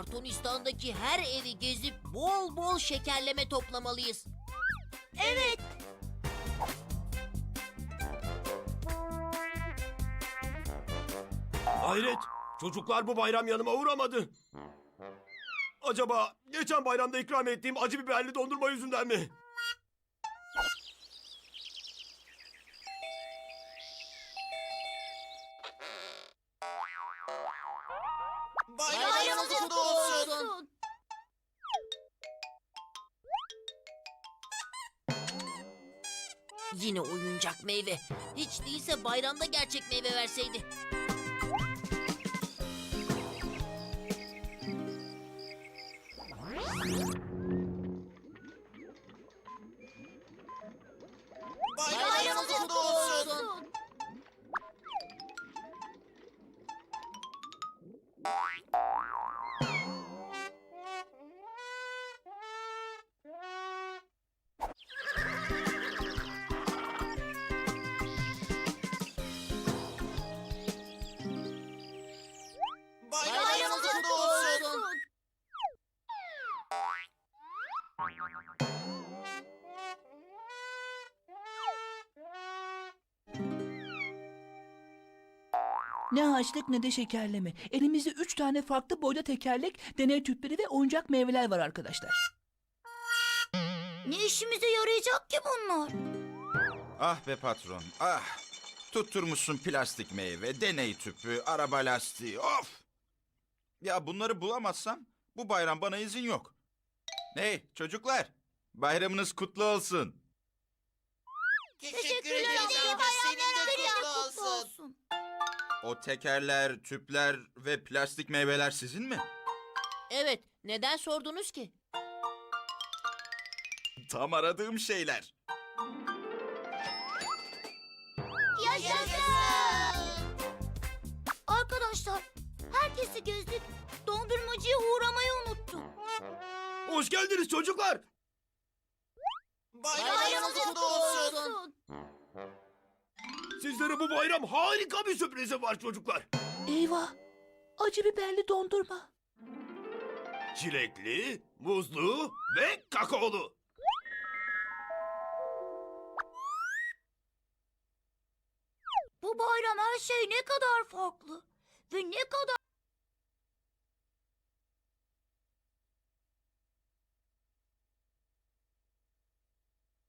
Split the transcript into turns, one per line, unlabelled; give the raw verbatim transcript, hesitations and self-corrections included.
Kartonistan'daki her evi gezip bol bol şekerleme toplamalıyız.
Evet.
Hayret, çocuklar bu bayram yanıma uğramadı. Acaba geçen bayramda ikram ettiğim acı biberli dondurma yüzünden mi?
Bayramınız kutlu olsun.
Yine oyuncak meyve. Hiç değilse bayramda gerçek meyve verseydi.
Bayramınız kutlu olsun. Bayramınız kutlu olsun.
Ne harçlık ne de şekerleme. Elimizde üç tane farklı boyda tekerlek, deney tüpleri ve oyuncak meyveler var arkadaşlar.
Ne işimize yarayacak ki bunlar?
Ah be patron, ah! Tutturmuşsun plastik meyve, deney tüpü, araba lastiği, of! Ya bunları bulamazsam bu bayram bana izin yok. Hey çocuklar, bayramınız kutlu olsun.
Teşekkür ederim. Senin de kutlu olsun.
O tekerler, tüpler ve plastik meyveler sizin mi?
Evet, neden sordunuz ki?
Tam aradığım şeyler.
Yaşasın! Arkadaşlar, herkesi gezdik. Dondurmacıya uğramayı unuttuk.
Hoş geldiniz çocuklar.
Bayramınız kutlu olsun.
Sizlere bu bayram harika bir sürprizim var çocuklar.
Eyvah! Acı biberli dondurma.
Çilekli, muzlu ve kakaolu.
Bu bayram her şey ne kadar farklı ve ne kadar